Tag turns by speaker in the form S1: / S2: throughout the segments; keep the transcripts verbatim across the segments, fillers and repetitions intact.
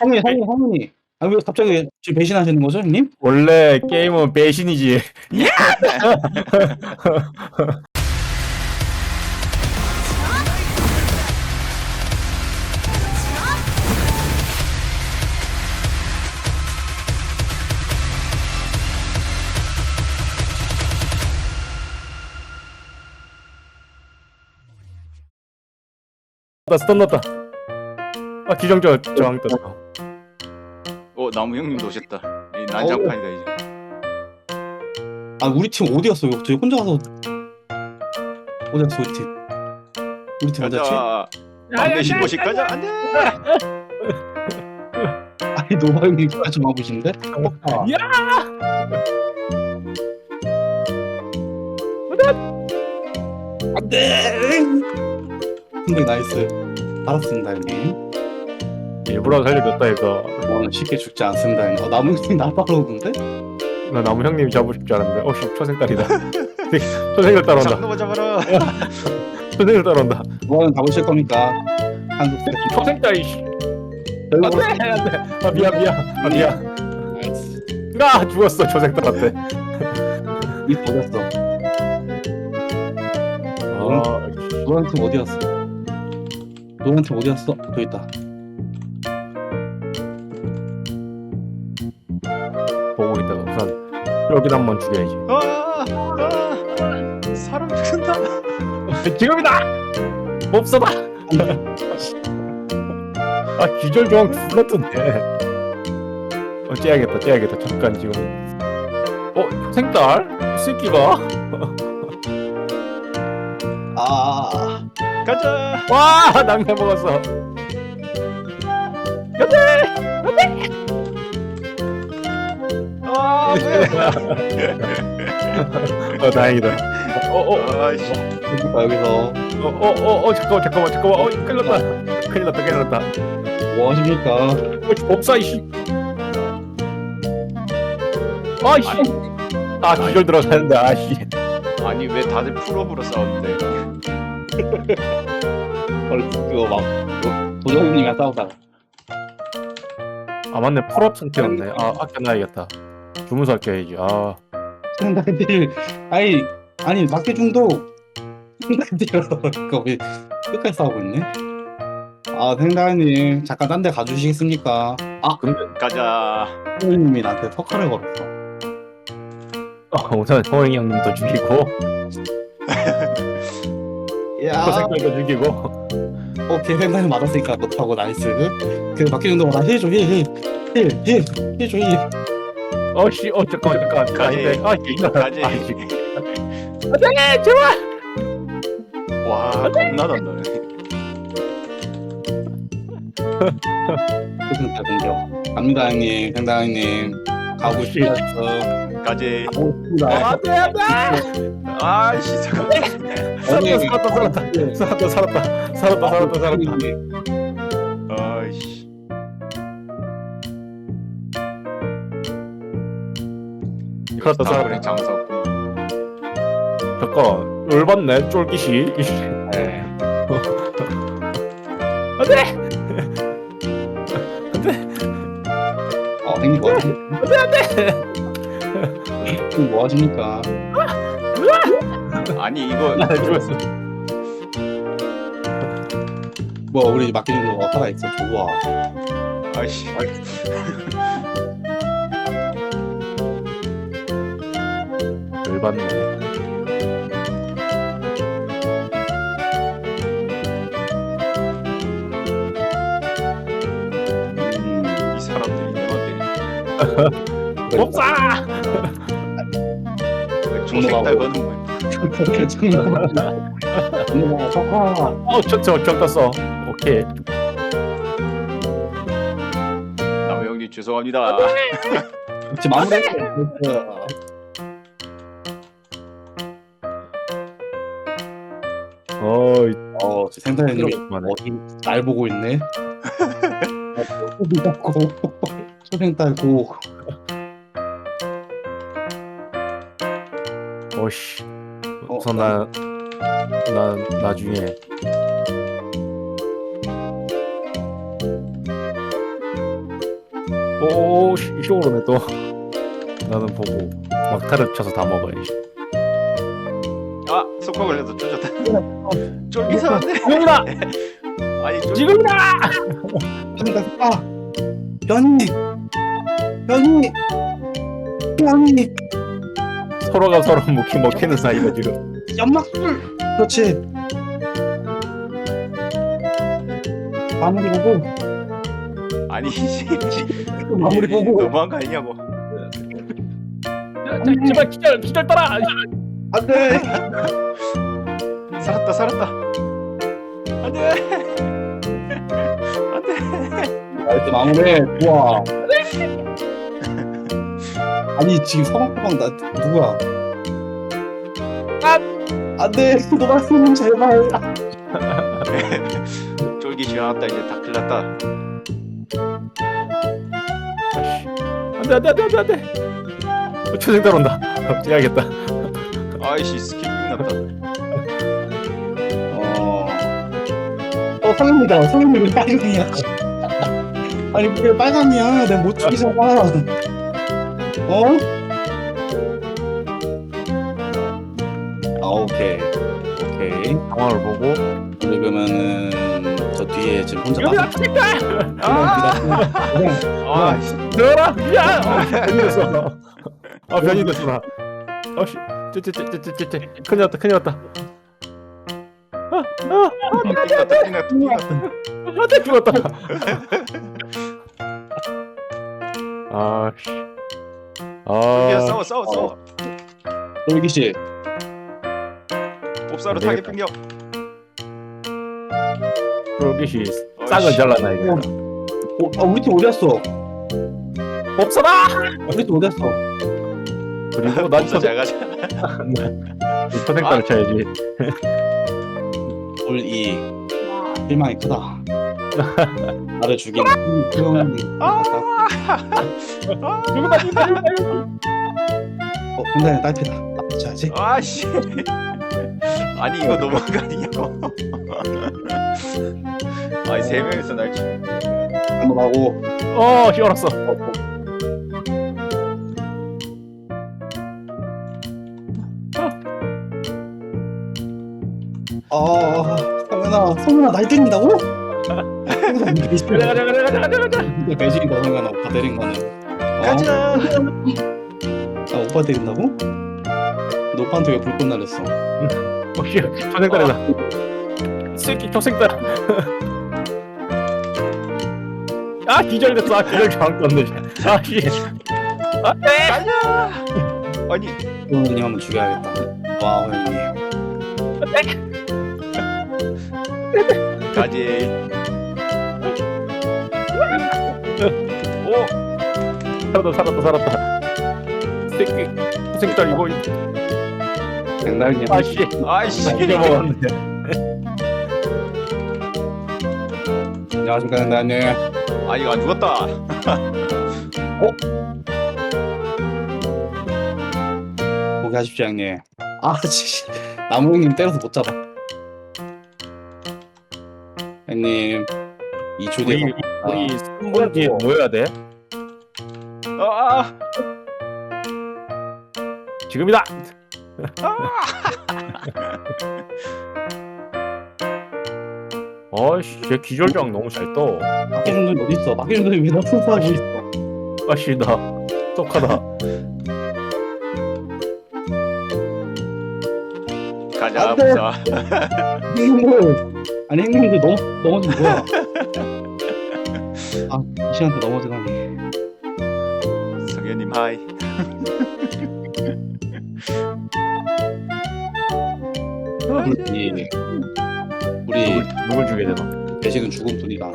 S1: 할머니, 할머니, 할머니. 아, 왜 갑자기 지금 배신하시는 거죠, 형님?
S2: 원래 게임은 배신이지. 나 스턴 넣었다. 아 기정절 저항 떴어.
S3: 어 나무 형님도 오셨다. 이 난장판이다 이제.
S1: 아, 우리 팀 어디 갔어? 저 혼자 가서 어디 갔어, 우리 팀? 우리 팀 어디 갔지?
S3: 가자. 담배 신고식 가자. 안돼.
S1: 아니, 노바 형님 까지 와보신데? 아,
S2: 야!
S1: 안돼! 근데 나이스. 알았습니다, 형님.
S2: 일부러 살려줬다 이거.
S1: 저는 쉽게 죽지 않습니다, 형님. 어, 나무 형님 나 따라오는데?
S2: 나 나무 형님 잡고 싶지 않은데. 어씨 초생딸이다. 초생을 따라온다.
S3: 장놈아 잡아라.
S2: 초생을 따라온다.
S1: 뭐하는 가보실 겁니까? 한국 때.
S2: 초생딸이. 씨. 안돼 안돼. 아 미안 미안. 아 미안.
S1: 나이스.
S2: 아 죽었어 초생딸한테.
S1: 이 어디였어?
S2: 아
S1: 노란 팀 어디 갔어? 노란 팀 어디 갔어? 저기 있다.
S2: 보고 있다가 우선 여기다 한번 죽여야지.
S3: 아, 아, 사람 죽는다.
S2: 지금이다. 몹써다. 아 기절 조항 졸라 뜨네. 어 째야겠다 째야겠다 잠깐 지금. 어 생딸? 이 새끼가?
S1: 아,
S3: 가자.
S2: 와 낭매 먹었어.
S3: 아 뭐야.
S2: 어 다행이다. 어어어어
S3: 아이씨.
S1: 여기서 여기서
S2: 어, 어, 어, 잠깐만 잠깐만 잠깐만. 어 큰일 났다. 큰일 났다 큰일 났다.
S1: 뭐 하십니까?
S2: 어 법사 이씨. 아이씨. 아 기절 들어가는데 아씨.
S3: 아니 왜 다들 풀업으로 싸우는데?
S1: 벌써 그거 막 그거 도전님이랑 싸우다가
S2: 아 맞네 풀업 상태였네. 아 아껴놔야겠다. 주문서 아껴야지. 아
S1: 생각들 아니 아니 막대중도 생각들어 그거 왜 끝까지 싸우고 있네? 아 생다님 잠깐 딴 데 가주시겠습니까? 아
S3: 가자.
S1: 형님이 나한테 석화를 걸었어.
S2: 어, 우선 호영이 형님도 죽이고
S1: 야,
S2: 코색깔도 죽이고.
S1: 오케이 생다님 맞았으니까 못하고 나이스. 그 막대중도 나 힐줘 힐힐힐힐힐줘 힐.
S2: 어씨 어 잠깐만 잠깐.
S3: 가지.
S2: 아닌데. 아 이거
S3: 가지.
S2: 아이씨. 안돼 제발.
S3: 와 겁나 단다네.
S1: 그승타 공격. 갑니다 형님, 생다님 가고
S2: 씨.
S1: 싶었어.
S3: 가지.
S1: 가고 싶다.
S2: 안돼 안돼.
S3: 아이씨 잠깐.
S2: 살았다 살았다 살았다 살았다 살았다 살았다 살았다 살았다.
S3: 아이씨.
S2: 살았다
S3: 다음에
S2: 살았다.
S3: 장사고.
S2: 잠깐 열받네 쫄깃이.
S1: 네.
S2: 안돼.
S1: 어, 형님 뭐 하시? 안돼 안돼. 뭐 하십니까?
S3: 아니 이거
S2: 나 죽었어.
S1: 뭐 우리 막대중도 살아 있어. 좋아.
S3: 아이씨.
S2: 열받네.
S1: 음,
S3: 이 사람들이 내가 때리네.
S2: 법사.
S3: 중생딸 거는 뭐야?
S1: 정말 석화.
S2: 어, 저저 적 떴어. 오케이.
S3: 나무 형님 죄송합니다.
S1: 지금 마무리.
S2: 어이.
S1: 어, 생사님이
S2: 그만해.
S1: 어디 날 보고 있네. 고 초생딸 고.
S2: 오씨.
S1: 어,
S2: 우선 나, 난 나중에 오, 씨, 이쪽으로네 또. 나는 보고 막타를 쳐서 다 먹어야지.
S3: 아 속화 걸려서 쫄졌다. 쫄기서 안돼.
S2: 지금이다!
S3: 아니 쫄.
S2: 지금이다!
S1: 그러니까 아 변이 변이 변이
S2: 서로가 서로 먹히 먹히는 사이가 지금.
S1: 연막술 그렇지 마무리 보고
S3: 아니 씨.
S1: 마무리 보고
S3: 너무한 거 아니냐고.
S2: 자, 제발 기절 기절 따라.
S1: 안돼
S3: 살았다 살았다. 안돼. 안돼.
S1: 나이스 마무리 좋아 아니 지금 서방서방 나 누구야 아 안돼 노발스님 제발
S3: 쫄기 싫어났다 이제 다 클났다.
S2: 안돼 안돼 안돼 안돼 안돼. 초생달 온다. 째야겠다.
S3: 아이씨 스킬 났다.
S1: 어... 어 성현이다 성현이 왜 빨강이야 아니 왜 빨강이야 내가 못 죽이잖아 어? 아 오케이 오케이
S2: 상황을 보고.
S1: 그러면은 저 뒤에 지금 혼자
S2: 여기다
S1: 빠져
S2: 초생달.
S3: 아 씨.
S2: 너라 야. 변이 됐어. 아 변이 됐어 나. 아씨. 쟤쟤쟤쟤쟤쟤 큰일 났다 큰일 났다.
S3: 띵났다 띵났다 띵났다.
S2: 안돼 죽었다. 아씨.
S3: 야
S2: 아.
S3: 싸워 싸워 싸워.
S1: 돌기씨
S3: 옵사로
S2: 안
S3: 타겟
S2: 되겠다.
S3: 빙겨.
S2: 프로기시
S3: 어이씨.
S2: 싹을 잘라놔 이거.
S1: 어, 아 우리 팀 어디 갔어
S2: 없어라.
S1: 우리 팀 어디 갔어
S2: 그리고 난
S3: 옵사 잘 가자.
S2: 초생달을 쳐야지.
S1: 돌이 실망이 크다 나를 죽인 수영이
S3: 아.
S2: 누구다 누구다 누구다.
S1: 어 근데 딸피다 맞춰야지
S3: 아씨. 아니 이거 너무한 거 아니냐고. 아니 세 명이서 날 치.
S1: 한번 하고
S2: 어 시원했어.
S1: 아 성현아 성현아 날 때린다고? 성현아 배신이다
S2: 가자 가자 가자 가자 가자.
S1: 배신이다 성현아 오빠 때린 거는 어?
S3: 가자.
S1: 아 오빠 때린다고? 너 오빠한테 왜 불꽃 날렸어?
S2: 어씨 초생달이다. 새끼 초생달. 아 기절됐어. 아 기절 잘못 떴네. 아씨. 안돼.
S3: 가자. 아니
S1: 형님 한번 죽여야겠다 와 형님
S3: 가지. 오.
S2: 살았다 살았다 살았다. 새끼 초생달 이거.
S1: 장난이야
S2: 아씨.
S3: 아이씨.
S2: 이겨 먹었는데.
S1: 안녕하십니까 장난님
S3: 아 이거 안 죽었다.
S1: 포기하십시오 형님 아 씨. 나무 형님 때려서 못 잡아 형님 이 초 뒤에
S2: 우리 우리 승부 뒤에 모여야 돼.
S3: 아.
S2: 지금이다. 어이씨, 쟤 기절장 너무 잘 떠.
S1: 막기준 놈이 어딨어 막기준 놈이 왜나 풀파하고 있어
S2: 아씨, 나 똑하다.
S3: 가자
S1: 안 돼.
S3: 옵사.
S1: 형님들 아니 형님들 넘, 넘어진 뭐야 아이 시간대 넘어지다니
S3: 성현님 하이.
S1: 우리 우리
S2: 누굴, 누굴 죽여야 되나?
S1: 배신은 죽음 뿐이다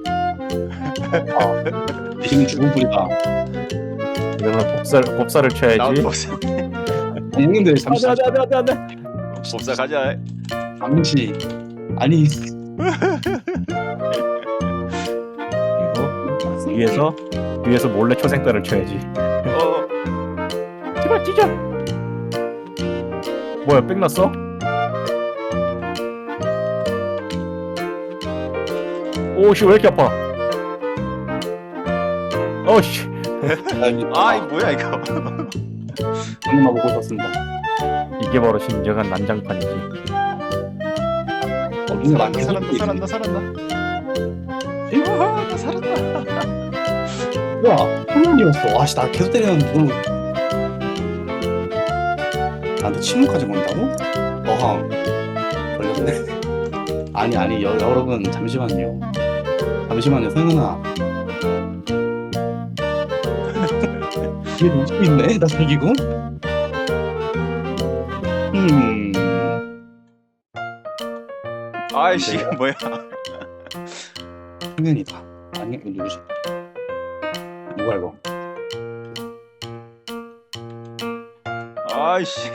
S1: 아, 배신은 죽음 뿐이다
S2: 이러면 복살, 복살을
S3: 나도
S2: 쳐야지.
S3: 복사.
S1: 아니, 형님들 잠시
S2: 안돼 안돼 안돼 안돼.
S3: 복사 가자.
S1: 잠시 아니
S2: 그리고 위에서 위에서 몰래 초생달을 쳐야지.
S3: 어.
S2: 제발 찢어. 뭐야, 빽 났어? 오씨, 왜 이렇게 아파? 어, 어씨.
S3: 아 이 뭐야 이거.
S1: 한번만 보고 있었습니다.
S2: 이게 바로 진정한 난장판이지.
S1: 어, 눈에
S3: 살았다
S1: 많이
S3: 살았다
S1: 해줬지.
S3: 살았다 살았다. 우와 나 살았다.
S1: 뭐야, 한명이었어. 와씨, 나 계속 때리는데 누구 나한테 침묵까지 건다고? 어항 걸렸네. 아니 아니 여, 여러분 잠시만요. 잠시만요, 성현아. 뒤에 놓고 있네, 나 저기고. 음,
S3: 아이씨 이거 뭐야.
S1: 성현이다. 아니 이거 누구지? 누가 이거?
S3: 아이씨.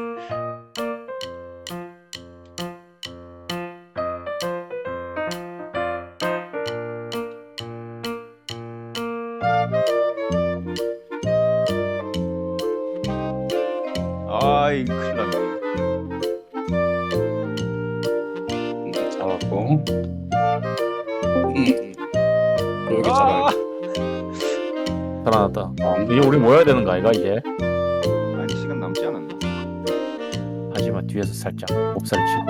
S3: 아이 큰일 났네.
S1: 음, 잡았고. 음, 여기
S3: 아!
S1: 잡아.
S2: 살아났다.
S1: 아,
S2: 이제 우리 모여야 되는 거 아이가 이제?
S3: 아니 시간 남지 않았나?
S2: 하지만 뒤에서 살짝 몹살 치고.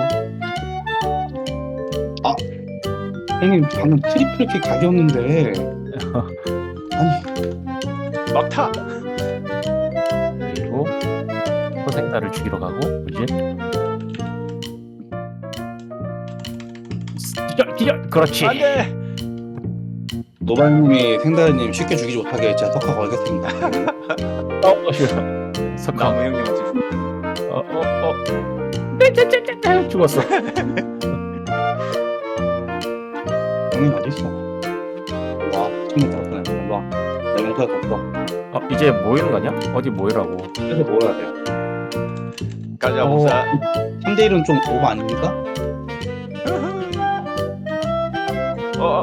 S1: 형님 방금 트리플 킥 각이었는데. 아니
S3: 막타.
S2: 그리고 호생달을 죽이러 가고 그지? 기절 기절 그렇지.
S3: 안돼.
S1: 노발님이 생다리님 쉽게 죽이지 못하게 제가 석화 걸겠습니다.
S2: 어 싫어. 석화.
S3: 나무 형님한테.
S2: 어어 어. 죽었어.
S1: 형님 어디 있어? 와, 친구 들었네. 일로 와. 내 용서할 수 없어.
S2: 어 이제 모이는 거냐? 어디 모이라고?
S1: 그래서 모여야 돼요.
S3: 가자
S1: 어,
S3: 보자.
S1: 삼 대 일은 좀 오버 아닙니까?
S3: 어.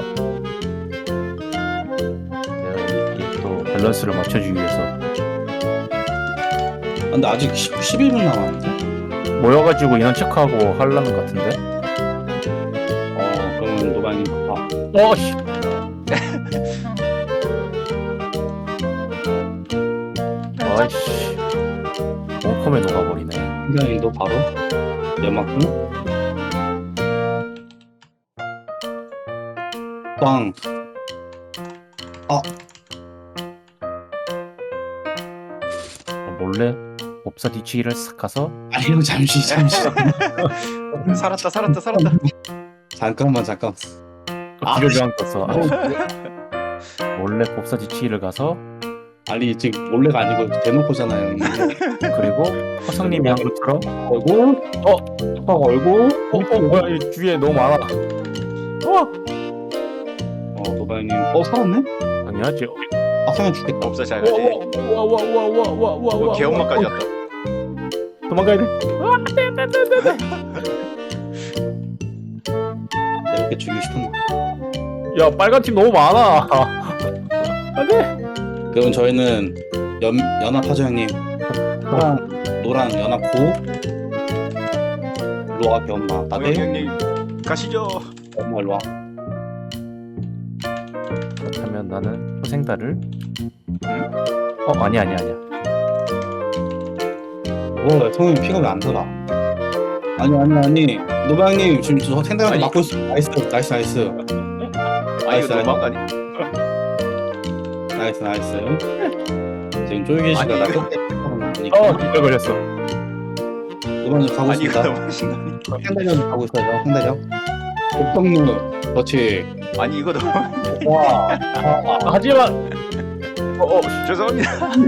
S2: 내가 이게 또 밸런스를 맞춰주기 위해서
S1: 아, 근데 아직 십일 분 남았는데?
S2: 모여가지고 인원 체크하고 하려는 것 같은데?
S1: 어, 그러면 노발님 봐.
S2: 어씨. 아이씨. 원컴에 녹아버리네.
S1: 생다리님도 바로 연막군. 빵.
S2: 몰래 몹사 뒤치기를 싹 가서
S1: 아니 형 잠시 잠시.
S3: 살았다 살았다 살았다.
S1: 잠깐만 잠깐. 아,
S2: 기를 저항 떴어.
S1: 어,
S2: 몰래 몹사 뒤치기를 가서
S1: 아니 지금 몰래가 아니고 대놓고잖아요. 형님.
S2: 그리고 허성님이 한 것처럼
S1: 얼굴, 어, 턱 얼굴,
S2: 어, 어 뭐야 이 주위에 너무 많아. 어
S1: 어, 노발님, 어 살았네?
S2: 당연하지.
S1: 아, 성현 죽겠다.
S3: 없어 잘 가지.
S2: 와와와와와와와
S3: 뭐 개엄마까지 왔다.
S2: 도망가야 돼.
S1: 내가 이렇게 죽이고 싶었나?
S2: 야 빨간 팀 너무 많아. 안돼.
S1: 그럼 저희는 연 연합하죠 형님. 노랑 노랑 연합고 일로 와 엄마.
S3: 어,
S1: 나대
S3: 형님 가시죠.
S1: 엄마 일로 와.
S2: 그렇다면 나는 호생달을 어 아니 아니 아니야.
S1: 뭐 성현 피가 왜 안 들어? 아니 아니 아니 노방님 지금 저 생각하고
S3: 아니.
S1: 막고 있어. 나이스 나이스 나이스
S3: 아니 이거
S1: 나이스.
S3: 도망가니?
S1: 나이스 나이스. 지금 쫄기 씨가
S3: 아니,
S1: 나
S3: 이거-
S1: 끝에
S2: 어 기절 걸렸어.
S1: 노방님 가고
S3: 아니 이거
S1: 있습니다.
S3: 너무 신나니.
S1: 생다령 가고 있어요. 생다령. 옥동루 그렇지.
S3: 아니 이거 너무.
S1: 와.
S2: 아, 하지만 어어
S3: 죄송합니다.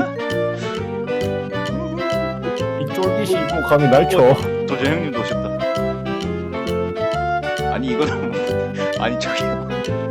S2: 이 쫄깃이 뭐 감히 날 쳐.
S3: 도저 형님도 오셨다. 아니 이거 너무. 아니 저기요.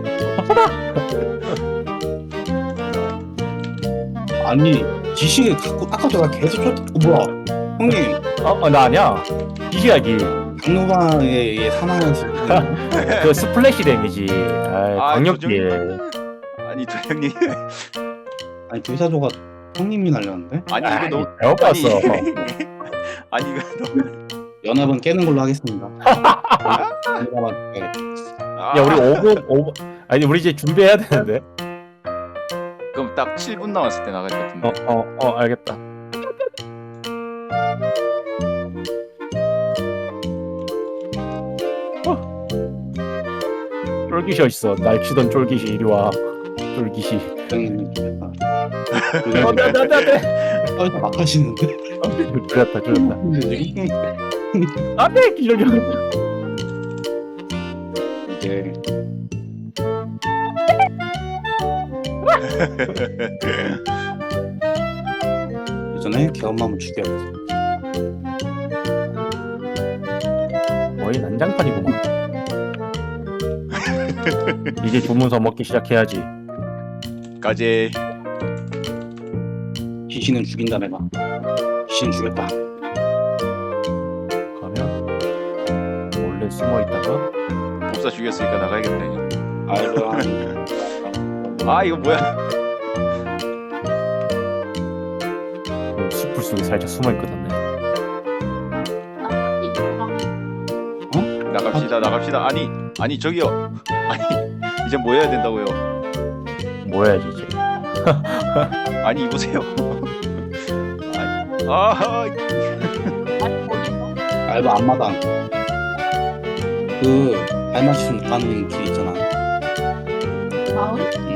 S1: 아니 지식을 갖고 아까 저가 계속 쫓. 어, 뭐야? 형님
S2: 어나 아니야. 이시야기.
S1: 강노방의 사망연습.
S2: 그 스플래시 데미지. 아
S3: 아,
S2: 강력기에.
S3: 아니 저 형님.
S1: 아니 불사조가 형님이 날렸는데?
S3: 아니 이거 너무.
S2: 잘못 봤어.
S3: 아니 이거 너무.
S1: 연합은 깨는 걸로 하겠습니다. 연합은 깨.
S3: 아,
S2: 야 우리 오 분 오 분 아니 우리 이제 준비해야 되는데.
S3: 그럼 그럼 딱 칠 분 남았을 때 나갈 것 같은데.
S2: 어 어 어 알겠다. 어. 쫄깃이 어딨어? 날 치던 쫄깃이 이리 와. 쫄깃이.
S1: 땡.
S2: 안돼 안돼 안돼 안돼.
S1: 아, 이거 막 하시는데?
S2: 줄였다 줄였다. 안돼 기절이.
S1: 이게 예전에 개엄마만 죽여야지.
S2: 거의 난장판이구만. 이제 주문서 먹기 시작해야지.
S3: 까지.
S1: 귀신은 죽인다 내가. 귀신 죽였다.
S2: 가면 몰래 숨어 있다가
S3: 법사 죽였으니까 나가야겠다. 이제.
S1: 아이고.
S3: 아 이거 뭐야?
S2: 그 숲을 속에 살짝 숨어 있거든.
S3: 나갑시다 나갑시다. 아니 아니 저기요. 아니 이제 뭐 해야 된다고요?
S2: 뭐 해야지 이제.
S3: 아니 이보세요. 아니, 아
S1: 알바 앞마당. 그 발맞춤 가는 길 있잖아.
S4: 마을?
S1: 응.